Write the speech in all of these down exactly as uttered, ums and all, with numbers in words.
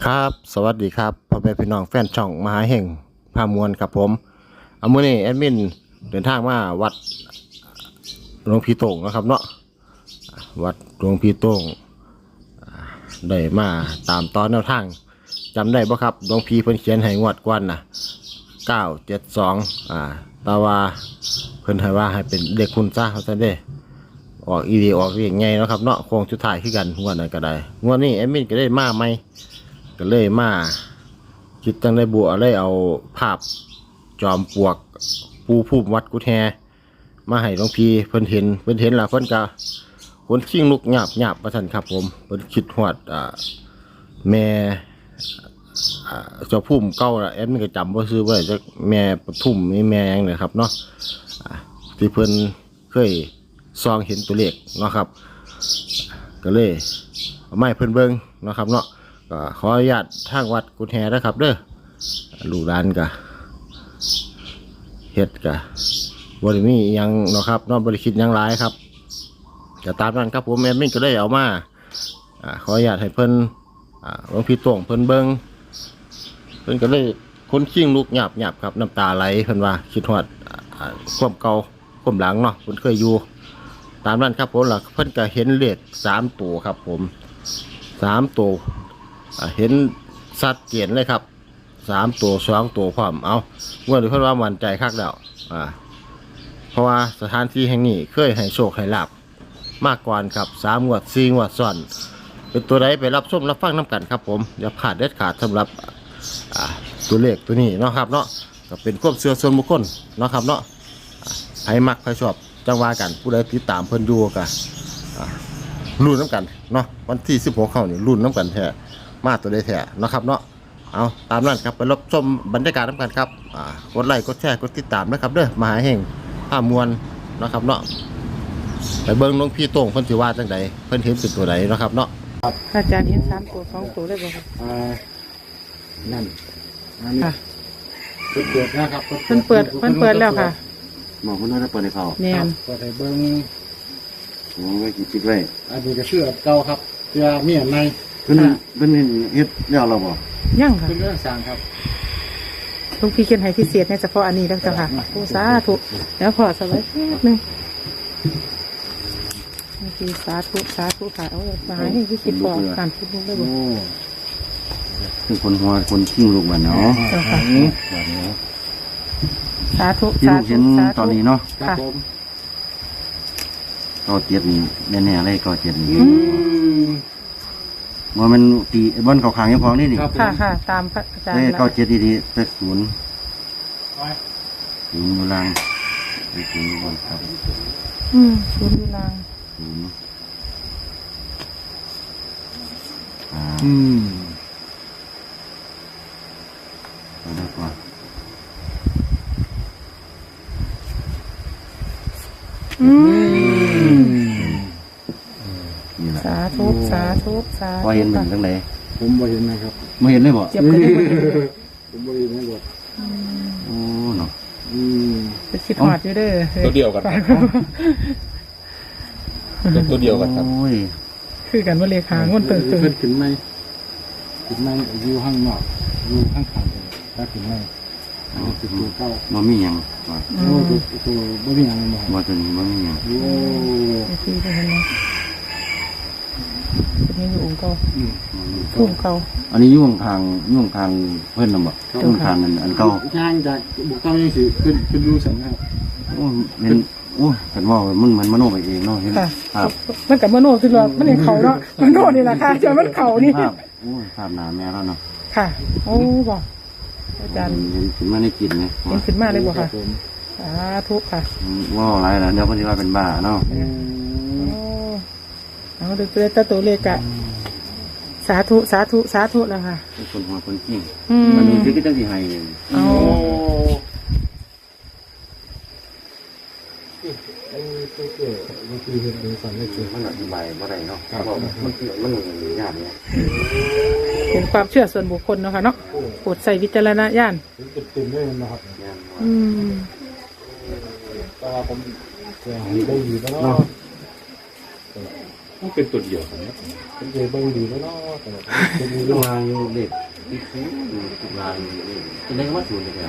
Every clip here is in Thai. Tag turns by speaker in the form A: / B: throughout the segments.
A: ครับสวัสดีครับพ่อแม่พี่น้องแฟนช่องมหาเห่งพามวลครับผมเอามื้อนี้แอดมินเดินทางมาวัดหลวงพี่โต่งนะครับเนาะวัดหลวงพี่โต่งได้มาตามตอนแนวทางจำได้บ่ครับหลวงพี่เพิ่นเขียนให้งวดก่อนน่ะเก้าเจ็ดสองอ่าแต่ว่าเพิ่นให้ว่าให้เป็นเด็กคุณซะเขาซะเด้ออกอีดีออกเรียงไงเนาะครับเนาะโค้งสุดท้ายคือกันงวดนั้นก็ได้งวดนี้แอดมินก็ได้มาใหม่ก็เลยมาคิดตั้งได้บัวเลยเอาภาพจอมปลวกปูภูมิวัดกุฎแฮมาให้หลวงพี่เพิ่นเห็นเพิ่นเห็นแล้วเพิ่นก็คนชิงลุกหยาบหยาบประทันครับผมเพิ่นคิดฮอดอ่าแม่อ่าเจ้าภูมิเก่าละแอดมินก็จำบ่ชื่อไว้จักแม่ปทุมนี่แม่หยังเนี่ยครับเนาะอ่าที่เพิ่นเคยซองเห็นตัวเลขเนาะครับก็เลยเอาไม้เพิ่นเบิ่งเนาะครับเนาะก็ขออนุญาตทางวัดกุฎแฮนะครับเด้อลูกหลานก็เฮ็ดก็บ่ได้มีหยังเนาะครับเนาะบ่ได้คิดหยังหลายครับก็ตามนั้นครับผมแอดมินก็ได้เอามาอ่าขออนุญาตให้เพิ่นอ่าหลวงพี่โต่งเพิ่นเบิ่งเพิ่นก็เลยคนขิ้งลูกหยาบหยาบครับน้ำตาไหลเพิ่นว่าคิดฮอดอ่าความเก่าความหลังเนาะเพิ่นเคยอยู่ตามนั้นครับผมล่ะเพิ่นก็เห็นเลขสามตัวครับผมสามตัวเห็นสัดเจนเลยครับสามตัวสองตัวพร้อมเอาเมื่อดูเพื่อนว่ามั่นใจคักแล้วอ่าเพราะว่าสถานที่แห่งนี้เคยให้โชคให้ลาบมากกว่าครับสามงวดสี่งวดซ้อนเป็นตัวใดไปรับชมรับฟังน้ำกันครับผมอย่าพลาดเด็ดขาดสำหรับอ่าตัวเลขตัวนี้เนาะครับเนาะก็เป็นความเชื่อส่วนบุคคลเนาะครับเนาะใครมักใครชอบจังว่ากันผู้ใดติดตามเพิ่นดูกันรุ่นน้ำกันเนาะวันที่สิบหกเข้านี่รุ่นน้ำกันแท้มาตัวได้แท้เนาะครับเนาะเอาตามนั้นครับไปรับชมบรรยากาศน้ำกันครับอ่ากดไลค์กดแชร์กดติดตามนะครับเด้อมหาเฮงผ้ามวลเนาะครับเนาะไปเบิ้งหลวงพี่โต่งเพิ่นสิว่าจังใดเพิ่นเห็นเป็นตัวใดเนาะครับเนาะ
B: อาจารย์เห็นสามตัวสองตัวได้บ่ครับ
C: อ่านั่นอันนี้เปิดเปิดนะครับ
B: เพิ่นเปิดเพิ่นเปิดแล้วค่ะ
A: หมอเพิ่นน่าจะเปิดให้เขา
B: แม่น
C: เปิดให้เบิ้ง
A: โอ้ยคิดไว้
C: อันนี้ก็เชื่อเก่าครับเชื่อเมียใน
A: เพิ่นเพิ่นเฮ็ดแล้วเราบ่
B: ยังค่ะ
C: เป็นเรื่องสร้างครับ
B: หลวงพี่เขียนให้พิเศษในเฉพาะอันนี้แล้วจ้ะค่ะโอ้สาธุแล้วพอสบายแป๊บนึงหลวงพี่สาธุสาธุค่ะเอามาให้พี่คิดบอกการคิดลูกได้บ่
A: คือคนหัวคนขิ้งลูกบัดเนาะ
B: จ้ะค่ะสาธุ
A: สาธุสาธุตอนนี้เนาะ
C: ครับผม
A: ก็เจ็ดนี่แน่ๆเลยก็เจ็ดนี่ว่ามันตีบนเขาขางยังพอนี่นี่
B: ค่ะค่ะตามพระอาจารย์
A: เก้าเจ็ดดีๆเป็นศูนย์ศูนย์อยู่ล่างเป็นศูนย์อยู่บนครับ
B: อืมศูนย์อยู่ล่าง
A: ศูนย์
C: อืม
A: เอาได้กว่า
B: อืม
A: นี่แหละ
B: สาธุสาธุสาธุ
A: พอเห็นมันตั้งไหน
C: ผมบ่เห็นนะครับ
A: ไม่เห็นเลยบ่
B: เจ็บกันได้บ่
C: ผมบ่เห็นเลยบ่
A: โอ้เนาะ
C: อืม
B: จะคิดหอดอยู่เด้อ
D: ตัวเดียวกันตัวเดียวกันครับ
A: โอ้ย
B: คือกันว่าเลขางวดเติมเติม
C: ขึ้นขึ้นไหมขึ้นไหมอยู่ข้างนอกอยู่ข้างข้างเลยถ้าขึ้นไหมอันนี้คือตัวเก่า
A: บ่มีหยังว่า
C: โอ้ตัวตัวบ่มีอะไรบ่
A: ว่าตัวนี้บ่มีหยัง
C: โอ้
B: ที่ได้เห็นไหมเป็นยังอยู่องค์เก่าภูมิเก่า
A: อันนี้ยุ่งทางยุ่งทางเพิ่นน่ะบ่ยุ่งทางอันเก่า
C: ย่างจากบุกเก่านี่สิขึ้นขึ้นรู้สันครับ
A: โอ้เป็นโอ้กันว่ามันมันมโนไปเองเนาะเห็นครับ
B: มันกับมโนคือว่ามันเห็นเขาเนาะมโนนี่แหละค่ะจนมันเขานี่
A: ภาพโอ้ภาพหนาแม่แล้วเนาะ
B: ค่ะโอ้บ่อาจารย์
A: เห็นขึ้นมาในจิตไง
B: เห็นขึ้นมาเลยบ่ค่ะสาธุค่ะ
A: ว่าอะไรล่ะเดี๋ยวเพิ่นสิว่าเป็นบ้าเนาะ
B: โอ้เอาดูตัวตตัวเลขอะสาธุสาธุสาธุแล้วค่ะ
A: คนหัวคนจริงมันมีที่ก็จังสิให้
B: โอ้
C: เออตัวเกิดบางทีเห็นเป็นสันไม่เกิด
A: มันอธิบายบ่ได้เนาะครับมันมันยากเนี่ย
B: เป็นความเชื่อส่วนบุคคลเนาะค่ะเนาะโปรดใส่วิจารณญาณ
C: เต็มๆเลยนะครับ
B: อืม
C: ตาผมจะให้ได้ดีแล้วเนาะ
D: มันเป็นตัวเดียวกันนะ
C: เป็นเบิ่งดีแล้วเนาะแต่เป็น
E: ลงมาอยู่เด็กที่ซื้ออยู่ตุลาอยู่นี่จะได้มาสูนเลยครับ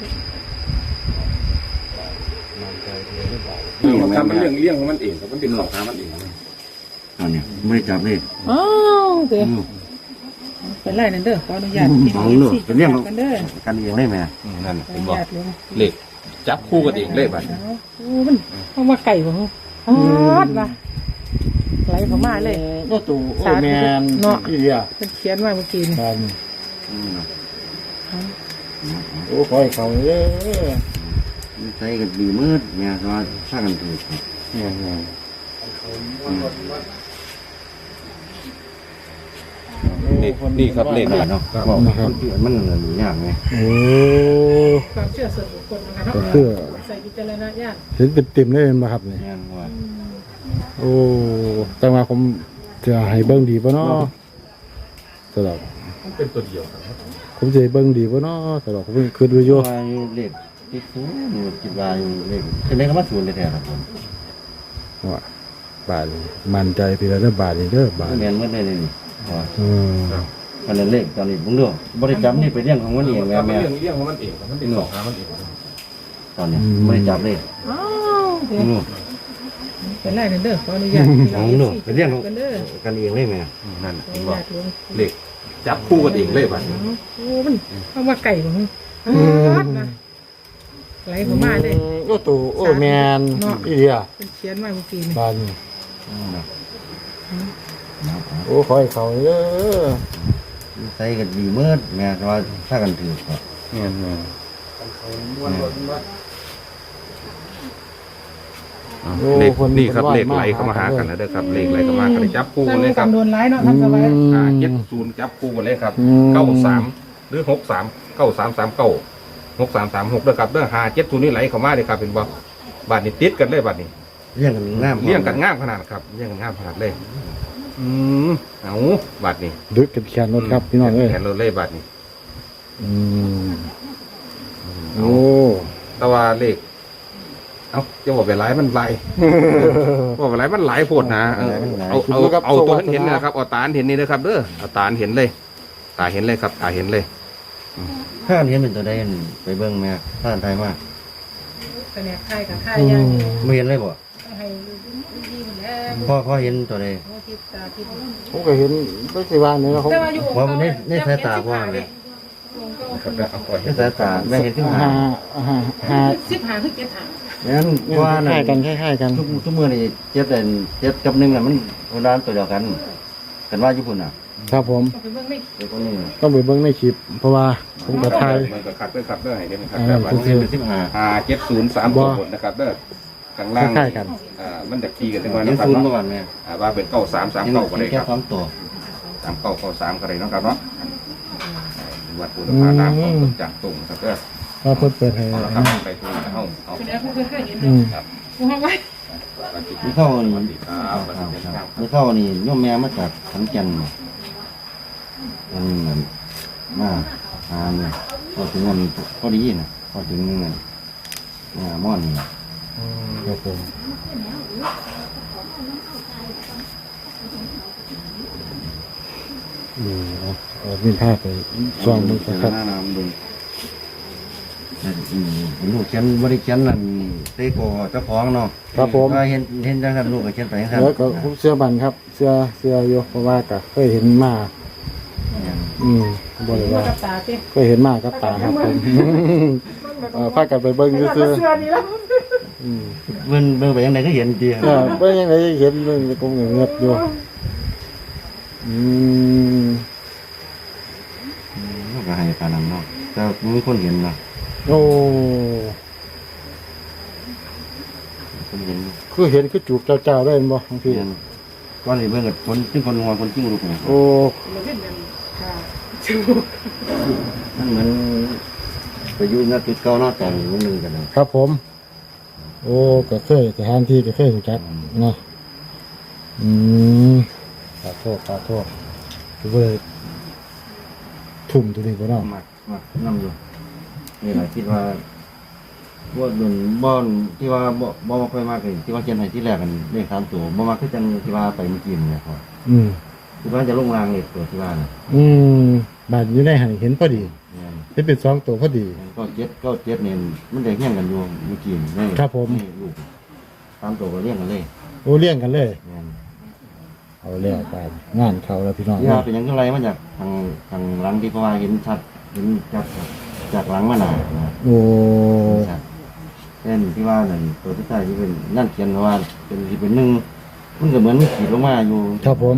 C: มันใจเดียวได้บ่
D: ทำมันเรื่องเลี้ยงของมันเองครับมันเป็นของทางมันเอง
E: ตอนนี้ไม่ได้จับเลย
B: อ้าวเด้อเป็นไรนั่นเด้อขออนุญาตพี่น้องสิเป็นเรื่องกันเด้อ
E: กันเองได้ไหม
D: นั่น
B: ขอ
D: เป็
B: อน นุ
D: บอก
B: ญาตเลย
D: เหล็กจับคู่กันเองเลยบัด
B: โอ้มันเพราะว่าไก่บ่ฮู้ฮอดว่ะไหลเข้ามาเลย
C: ก็ตู่โอ้แมนอีเดีย
B: เพิ่นเขียนมาเมื่อกี้นี่
C: ครับโอ้ขอให้เขาเด้อ
E: ใช้กันดีมืดเนี่ยว่าสร้างกันถูก
C: เนี่ยเนี่ย
D: นี่นี่ครับเหล็ก
E: เนาะบอกมันมันยากไหม
C: โอ้
B: ความเชื่อส่วนบุคคลนะคะ
C: ก็คือ
B: ใส่วิจารณญาณ
C: เห็นเป็นเต็มได้เป็นบ่ครับเนี่ย
E: งานว่า
C: โอ้แต่ว่าผมจะให้เบิ่งดีป่ะเนาะสำหรับ
D: มันเป็นตัวเดียวกันครับ
C: ผมจะให้เบิ่งดีป่ะเนาะสำหรับผมคือดูอยู่
E: ว่าอยู่เด็กที่ซื้ออยู่จิตว่าอยู่เด็กจะได้ก็มาสูนเลยแท้ครับผม
C: ว่าบาทนี่มั่นใจทีละเด้อบาทนี่เด้อบาท
E: เรียนเมื่อได้เลยนี่ว่า
C: เออ
E: มันเล็กตอนนี้ผมดูบริจาคนี่ไปเรื่องของมันเองแม่
D: มัน
E: แม่
D: เรื่องเลี้ยงของมันเองครับมันเป็นของทางมันเอง
E: ตอนนี้บริจาคเลย
B: อ้าวเด้อ
E: นู่น
B: เป็นไรนั่นเด้อขออนุญาตพี่
E: ข
B: น้
E: อ
B: อง ง
E: นู่น
B: สิ
E: ไปเรื่องของ
B: กันเด้อ
E: กันเองเลยแม่
D: นั่น
B: ขอ
D: เป็
B: อน นุ
D: บอก
B: ญาตหลวง
D: เหล็กจับคู่กันเองเลยบัด
B: โอ้มันเพราะว่าไก่บ่ฮู้ฮอดนะไหลเข้ามาเลย
C: ก็ตู่โอ้แมนอีเดีย
B: เป็นเขียนมาเมื่อกี้นี่
C: บาทนี่โอ้ขอให้เขาเด้อ
E: ใช้กันดีมืดแม่ว่าถ้ากันถือครับ
D: เนี่ยเนี่ยเหล็กนี่ครับเหล็กไหลเข้ามาหากันนะเด้อครับเหล็กไหลเข้ามากันจับคู่กันเลยครับ
B: จำนวนร้ายเนาะท่านสบาย
D: อ่าเจ็ดศูนย์จับคู่กันเลยครับเก้าสามหรือหกสามเก้าสามสามเก้าหกสามสามหกเด้อครับเด้อหาเจ็ดศูนย์นี่ไหลเข้ามาเลยครับเป็นบ่บาทนี้ติดกันเลยบาทนี้
E: เรื่องกันน้ำ
D: เลี้ยงกันง่ามขนาดครับเลี้ยงกันง่ามขนาดเลย อืมเอาบาทนี้
C: ดึกกันแขนรถครับพี่น้องเอ้ย
D: แขนรถเลยบาทนี้
C: อืมโอ้
D: แต่ว่าเลขเอาจะบอกไปหลายมันหลายบอกไปหลายมันหลายโพดนะเออเอาเอาเอาตัวเห็นๆนะครับเอาตาเห็นนี่นะครับเด้อเอาตาเห็นเลย ตาเห็นเลยครับ ตาเห็นเลย
E: ถ้าเห็นเป็นตัวใดไปเบิ่งแม่ถ้าไทยมาก
B: แต่เนี่ยค่ายกับค่ายอย่างนี้
E: ไม่เห็นเลยบ่
B: ให้ดีๆหมดแล้ว
E: พ่อพ่อเห็นตัวใด
B: โอ้ทิพตาทิพ
C: ผมก็เห็นไม่สิว่าเนี่ยเขา
B: แต่ว่าอยู่
E: ว่ามันได้ได้สายตาพ่อไหม
D: ครับแล้วเอาปล่อย
E: ได้สายตาแม่เห็นขึ้นมา
C: หาหาหา
B: สิบหาคือเจ็ดหา
E: งั้นว่า
C: ค
E: น่ะ
C: ล้ายๆกันคล้ายๆกัน
E: ทุกทุกมือนี่เจ็ดแต่เจ็ดกับหนึ่งน่ะมันคนละตัวเดียวกันกันว่าญี่ปุ่นอ่ะ
C: ครับผม
B: ก็ไปเบิ่งไม่
E: ไอ้คนนี้
C: ต้องไปเบิ่งในคลิป เพราะว่าผมก็ถ่าย
D: มันก็ขัดด้วยขัดด้วยให้เห็นครับ
C: อ่า
D: แบบว่า
C: โอเค
E: เป็นสิบห้า
D: หาเจ็ดศูนย์สามตัวหมดนะครับเด้อข้างล่าง
C: คล้ายๆกัน
D: อ่ามันจะขี่กันถึงวัน
E: เห็น
D: นะครับ
E: ศูนย์เมื่
D: เนาะ
E: อวานแม่
D: อ่าว่าเป็นเก้าสามสาม
E: เห็น
D: เก้าก็ได้
E: แค่
D: ครับ
E: สองตัว
D: สามเก้าเก้าสามก็ได้เนาะครับเนาะวัดปูนภาน้ำของจากตุ่มครับเด้อ
C: ว่าเพิ่นเปิดให้
D: เอาละครับไปทุนเอาเอา
B: เป็นแอปเพิ่งเคยเห็น
C: อืม
D: ครับ
B: กูห้องไว้
E: นี่เข้า
D: ส
E: นี่
D: วัสดีครับสวัสดีครับ
E: นี่เข้านี่โยมแม่มาจากขอนแก่นอันนี้มันมาหาเนี่ยพอถึงวันพอดีนะพอถึงเงินอ่าม่อนนี่
C: ครับผมอืมเอาเอามีภาพไปซ่อมมือครับ
E: หน้าน้ำดูอืมลูกเขียนบริเขียนนั่นเตโกเจ้าของเนาะ
C: ครับผม
E: ว่าเห็นเห็นจังซั่นลูกก็เขียนไปจังซั่น
C: แล้วก็ผมเสื้อบันครับ เสื้อเสื้ออยู่เพราะว่าก็เคยเห็นมา อืมบ่ได้
B: มา
C: ว่า
B: กับตาสิ
C: เคยเห็นมากับตาครับผมเออพากันไปเบิ่งซื่อ
B: เสื้อนี่แล้ว
C: ๆอืม
E: เบิ่งเบิ่งไปยังไงก็เห็นดี
C: เออเบิ่งยังไงเห็นเบิ่งคงเงียบอยู่อืม
E: ลูกก็ให้ปานนั้นเนาะแต่มีคนเห็นเนาะ
C: โอ้
E: คนเห็น
C: คือเห็นคือจูบเจ้าๆได้แม่นบ่บางที
E: เห็นก่อนนี่เบิ่งกับคนซึ่งคนงัวคนจิ้งลูกเนี่ย
C: โอ้
B: เราเห็นกันค่ะชู
E: มันเหมือนไปอยู่ณจุดเก่าเนาะตอนมื้อนึงกันเนาะ
C: ครับผม โอ้ก็เคยสถานที่ก็เคยรู้จักเนาะอืมขอโทษขอโทษคือบ่ได้ทุ่มตัวนี้บ่เนาะ
E: มากมากนำอยู่นี่แหละคิดว่าบ่ดุนบ่อนที่ว่าบ่บ่ค่อยมากเลยที่ว่าเขียนให้ที่แรกกันเลขสามตัวบ่มาคือจังที่ว่าไปเมื่อกี้นี่ครับ
C: อืม
E: ที่ว่าจะลงรางเลขตัวที่ว่าน่ะ
C: อืมบาดอยู่ในหันเห็นพอดี
E: แม่น
C: ที่เป็นสองตัวพอดี
E: ก็เจ็ดก็เจ็ดเนี่ยมันได้เรียงกันอยู่เมื่อกี้นี่
C: ครับผม
E: นี่ลูกสามตัวก็เรียงกันเลย
C: โอ้เลี้ยงกันเลย
E: แม่น
C: เอาแล้วไปงานเขาแล้วพี่น้อง
E: ที่ว่าเป็นหยังไงมาจากทางทางหลังที่เพราะว่าเห็นชัดเห็นจากจากหลังมาหนานะ
C: โอ้
E: ชัดเช่นที่ว่านั่นตัวที่ใต้ที่เป็นนั่นเขียนว่าเป็นที่เป็นหนึ่งมันก็เหมือนมันขีดลงมาอยู่
C: ครับผม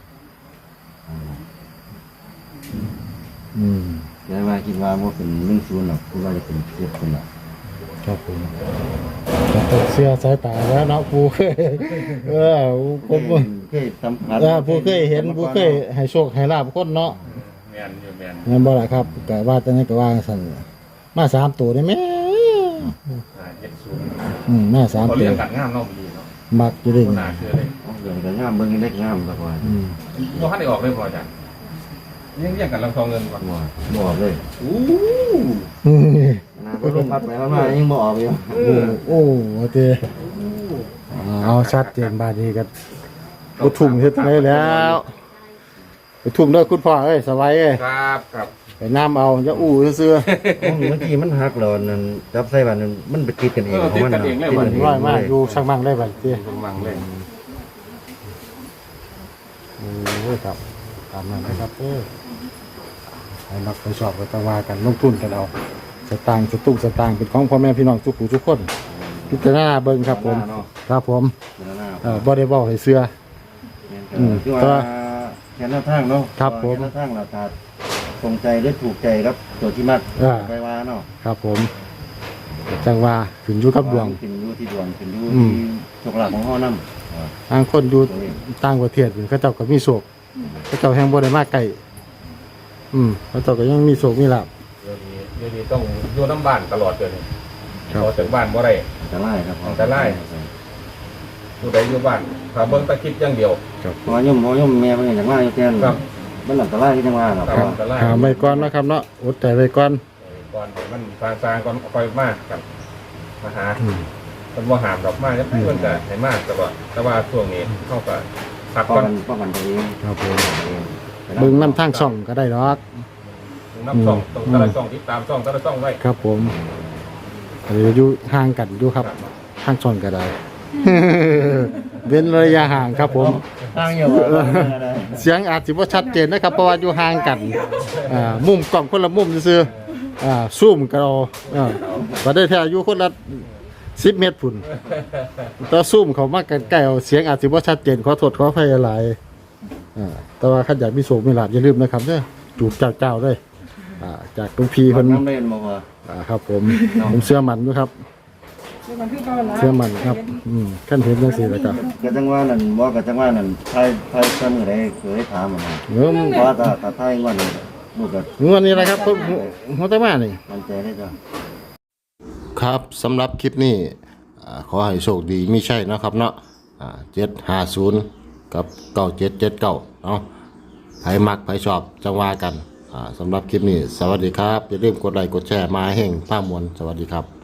C: อืม
E: เดี๋ยวว่าคิดว่าว่าเป็นหนึ่งศูนย์หรอกคิดว่าจะเป็นเจ็ดคนละ
C: ครับผมแต่ตกเสื้อสายตาแล้วเนาะผู้เคยเออผม
E: เคยสัมผัส
C: เออผู้เคยเห็นผู้เคยให้โชคให้ลาบคนเนาะ
D: แมนอยู่แมน
C: งั้นบ่ล่ะครับก็ว่าแต่นั้นก็ว่าสั่นมาสามตัวได้ไหม
D: อ่าเจ็ดศูนย์
C: อืมมาสาม
D: เขา
C: ตั
D: เรี
C: วย
D: งกันงามเนาะดีเนาะ
C: มักอยู่เด้
D: คนหนาคือเลย
E: เอาเดี๋ยวก็งามเบิ่งเล็กงามสักวัน
C: อืม
D: ว่าท่านได้ออกเลยพอจ้ะยังเรียกกันลำทองเงินก่อน
E: บ่บ่ออกเลย
D: อู้
C: อืม
E: นะบ่ลงพัดไปแล้วมายังบ่ออกอยู่
C: โอ้โอ้โอเคเอาชัดเจนบาดนี้กันกูทุ่มเฮ็ดไงแล้วไปทุ่มด้วยคุณพ่อเอ้ยสบายเอ้ย
D: ครับครับ
C: ไปน้ำเอาอย่าอู้ซื่อ
E: เมื่อกี้มันหักหลอนนั่นจับใส่บันนั่นมันไปติดกันเองของมัน
C: ๆร้อยมากอยู่ช่างมั่งได้บัดเตี้ย
D: กำลังเลย
C: โอ้ยครับตามนั้นนะครับเออให้มักไปชอบไปตะวากันลงทุนกันเอาสตางค์สตุ้งสตางค์เป็นของพ่อแม่พี่น้องทุกผู้ทุกคนพิจารณาเบิ่งครับผม ครับผม เออบ่ได้บอกให้เสื้อ อืม
E: คือว่าแค่หน้าทางเนาะ
C: ครับผม
E: แค่หน้าทางเราถ้าตรงใจหรือถูกใจครับตัวที่มัก
C: อ่า
E: ไปว่าเนาะ
C: ครับผม จังว่าขึ้นอยู่กับดวง
E: ขึ้นอยู่ที่ดวงขึ้นอยู่
C: อืม
E: ที่โชคลาภของเฮานำ
C: ทางคนอยู่ต่างประเทศนี่เขาเจ้าก็มีโศกเขาเจ้าแห่งบ่ได้มาไกลอืมเขาเจ้าก็ยังมีโศกมีลาภ
D: เดี๋ยวนี้เดี๋ยวนี้ต้องอยู่น้ำบ้านตลอดเลย
C: ครับ
D: พอจากบ้านบ่ได้
E: อันตรายครับ
D: อันตราย ผู้ใดอยู่บ้านถ้าเบิ่งแตะคิดอย่างเดียว
E: เพราะว่าโยมเพราะว่าโยมแม่เพิ่นก็อย่างว่าอยู่แทน
D: ครับ
E: มันอันตรายที่จังว่าเนาะ
D: ตามอันตราย
C: หาไว้ก่อนนะครับเนาะอดใจไว้ก่อน
D: ก่อนให้มันฟางฟางก่อนค่อยมากกับมาหา
C: อืม
D: มันบ่หามดอกไม้จะไปมันก็ให้มากแต่ว่าแต่ว่าช่วงนี้เข้าก็พัก
E: ป้อ
D: ก่อง น
E: กันป้องกันตัวเอง
C: ครับผม
E: ตัวเอง
C: เบิ่งน้ำทางช่องก็ได้ดอก
D: น้ำซ่องต้องแต่ละซ่องติดตามซ่องแต่ละซ่องไว้
C: ครับผมหรืออยู่ห่างกันอยู่ครับทางช่องก็ได้ เว้นระยะห่างครับผม
E: ทางอยู่ว่า
C: เสียงอาจสิบ่ชัดเจนนะครับเพราะว่าอยู่ห่างกันอ่ามุมกล้องคนละมุมซื่อๆอ่าซูมก็เอาอ่าบ่ได้แท้อยู่คนละสิบเมตรพุ่นแต่ซูมเขามาใกล้ๆเอาเสียงอาจสิบ่ชัดเจนขอโทษขออภัยหลายอ่าแต่ว่าคันอยากมีโศกมีลาภอย่าลืมนะครับเด้อจูบเจ้าๆเด้ออ่าจากหลวงพี่
E: ค
C: เพิ่
E: น
C: น
E: น้ำเล่นบอกว่า
C: อ่าครับผมผมเชื่อมันอยู่ครับเชื่อมันครับอืมขั้นเห็นจังซี่แล้วก็
E: ก็จังว่านั่นบอกก็จังว่านั่นไทยไทยซ้ำก็ได้เคยถามมา
C: เงิม
E: เพราะว่าถ้าถ้าไทยว่านี่ลูกก็
C: งวดนี้แหละครับผมหัวตะมานี่
E: มันใจได้จ้ะ
A: ครับสำหรับคลิปนี้อ่าขอให้โชคดีไม่ใช่นะครับเนาะเจ็ดห้าศูนย์กับเก้าเจ็ดเจ็ดเก้าเนาะไผมักไผชอบจังว่ากันอ่าสำหรับคลิปนี้ สวัสดีครับ อย่าลืมกดไลค์กดแชร์มาให้เฮงผ้ามวลสวัสดีครับ